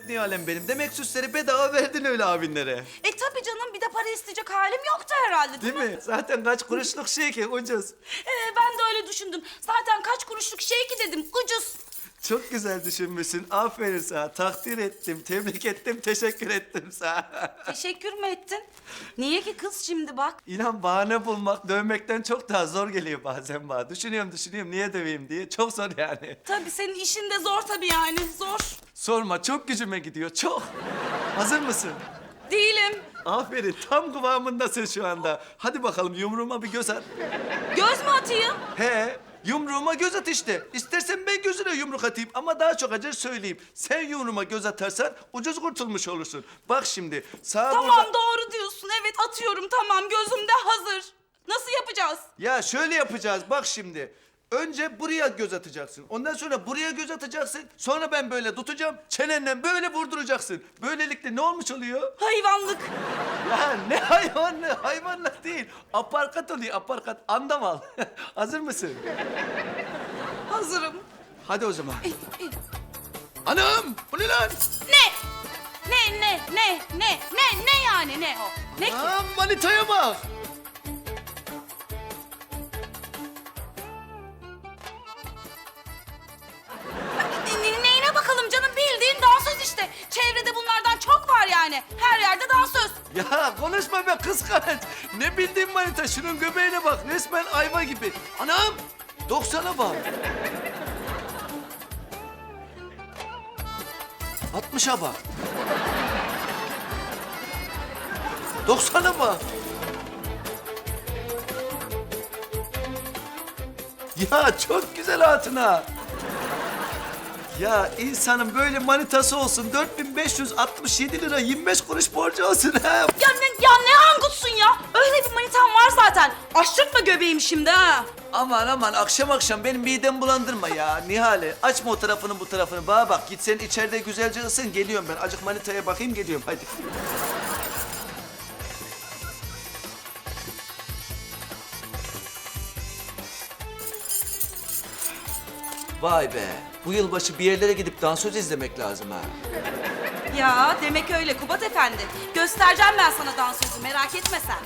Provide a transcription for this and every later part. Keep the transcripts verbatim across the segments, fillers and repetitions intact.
Nihal'em benim. Demek süsleri bedava verdin öyle abinlere. E tabii canım, bir de para isteyecek halim yoktu herhalde, değil, Değil mi? mi? Zaten kaç kuruşluk şey ki ucuz. Ee, ben de öyle düşündüm. Zaten kaç kuruşluk şey ki dedim, ucuz. Çok güzel düşünmüşsün. Aferin sana. Takdir ettim, tebrik ettim, teşekkür ettim sana. Teşekkür mü ettin? Niye ki kız şimdi bak? İnan bahane bulmak dövmekten çok daha zor geliyor bazen bana. Düşünüyorum düşünüyorum niye döveyim diye. Çok zor yani. Tabii senin işin de zor tabii yani, zor. Sorma çok gücüme gidiyor çok. Hazır mısın? Değilim. Aferin tam kıvamındasın şu anda. Hadi bakalım yumruğuma bir göz at. Göz mü atayım? He yumruğuma göz at işte. İstersen ben gözüne yumruk atayım ama daha çok acır söyleyeyim. Sen yumruğuma göz atarsan ucuz kurtulmuş olursun. Bak şimdi sağa Tamam, burada... doğru diyorsun. Evet, atıyorum, tamam, gözümde hazır. Nasıl yapacağız? Ya şöyle yapacağız bak şimdi. Önce buraya göz atacaksın. Ondan sonra buraya göz atacaksın. Sonra ben böyle tutacağım. Çenenle böyle vurduracaksın. Böylelikle ne olmuş oluyor? Hayvanlık. Ya ne hayvanlı? Hayvanlık değil. Aparkat oluyor aparkat. Andamal. Hazır mısın? Hazırım. Hadi o zaman. Eh, eh. Anam bu ne lan? Ne? Ne, ne, ne, ne, ne, ne yani, ne o? Ne ki? Aa, manitaya bak. Ne- ne- Neyine bakalım canım, bildiğin dansöz işte. Çevrede bunlardan çok var yani. Her yerde dansöz. Ya konuşma be kıskanç. Ne bildiğin manita şunun göbeğine bak. Resmen ayva gibi. Anam doksana bak. Altmışa bak. Doksana bak. Ya çok güzel hatuna. Ya insanın böyle manitası olsun. dört bin beş yüz altmış yedi lira yirmi beş kuruş borcu olsun ha. Ya ne, ya ne angutsun ya? Öyle bir manitam var zaten. Açtırtma göbeğim şimdi ha. Aman aman akşam akşam benim midemi bulandırma ya Nihale. Açma o tarafını bu tarafını. Bana bak git sen içeride güzelce ısın. Geliyorum ben. Acık manitaya bakayım geliyorum hadi. Vay be. Bu yılbaşı bir yerlere gidip dansöz izlemek lazım ha. Ya demek öyle Kubat Efendi. Göstereceğim ben sana dansözü, merak etme sen.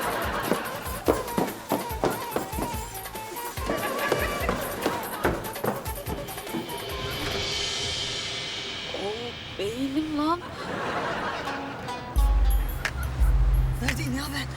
Beynim lan. Neredeyim ya ben?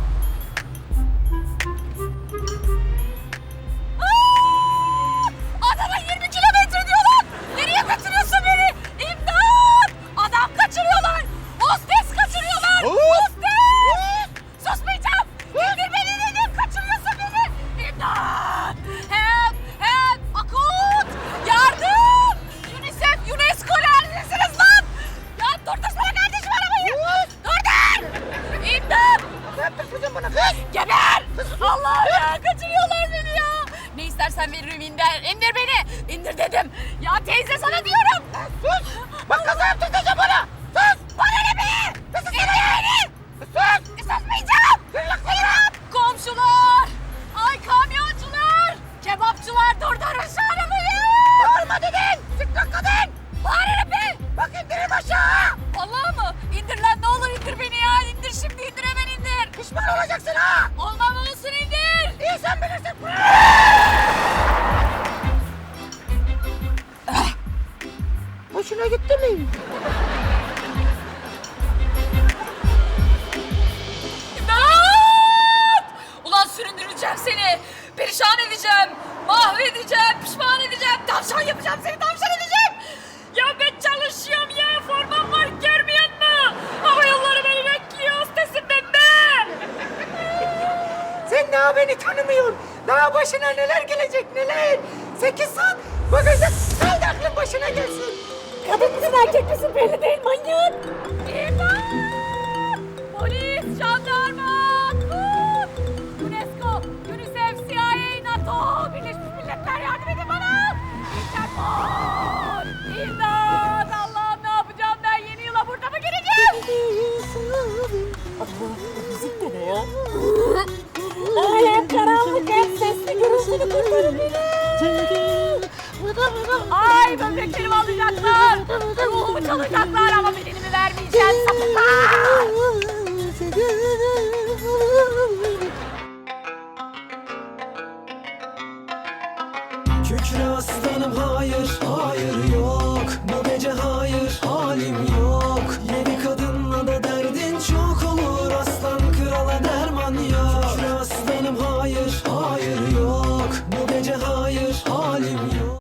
Adama yirmi kilometre diyorlar. Nereye kaçırıyorsun beni? İmdat! Adam kaçırıyorlar. Hostes kaçırıyorlar. Hostes! Susmayacağım. İndir beni dedim. Kaçırıyorsun beni. İmdat! Help! Help! Akut! Yardım! UNICEF, UNESCO neredesiniz lan? Ya durdursana kardeşim arabayı. Durdur! İmdat! Ne yaptın kızım bana kız? Geber! Allah ya kaçırıyorlar beni ya. Ne istersen veririm indir. İndir beni. İndir dedim. Ya teyze sana diyorum. Sus! Bak kaza yaptırtacağım bana. Sus! Bana ne be? Sus! İndir beni! Sus! Susmayacağım! Kırlıklayırım! Komşular! Ay kamyoncular! Kebapçılar durdurun şu arabayı! Bağırma dedin! Sıkkın kadın! Bağırırım ben! Bak indirim aşağı! Vallahi mı? İndir lan ne olur indir beni ya! İndir şimdi indir hemen indir! Pişman olacaksın ha! Olmam olsun indir! İyi sen bilirsin! Hoşuna gitti mi? İmdat! Ulan süründüreceğim seni. Perişan edeceğim. Mahvedeceğim. Pişman edeceğim. Tavşan yapacağım seni. Tavşan edeceğim. Ya ben çalışıyorum ya. Formam var. Görmüyor musun? Hava yolları beni bekliyor. Hostesim ben be. Sen daha beni tanımıyorsun. Daha başına neler gelecek neler. Sekiz saat bagajda kaldı aklın başına gelsin. Kadın mısın erkek misin belli değil manyak. İmdat! Polis, jandarma, kut! UNESCO, UNICEF, C I A, NATO, Birleşmiş Milletler yardım edin bana! Interpol! İmdat! Allah'ım ne yapacağım ben? Yeni yıla burada mı gireceğim? Allah bu müzik de ne ya? Ay hem karanlık hem sesli gürültülü kurtarın beni. Ay böbreklerimi alacaklar! Ruhumu çalıyor! soyacaklar ama bedenimi vermeyeceğim sapıklar.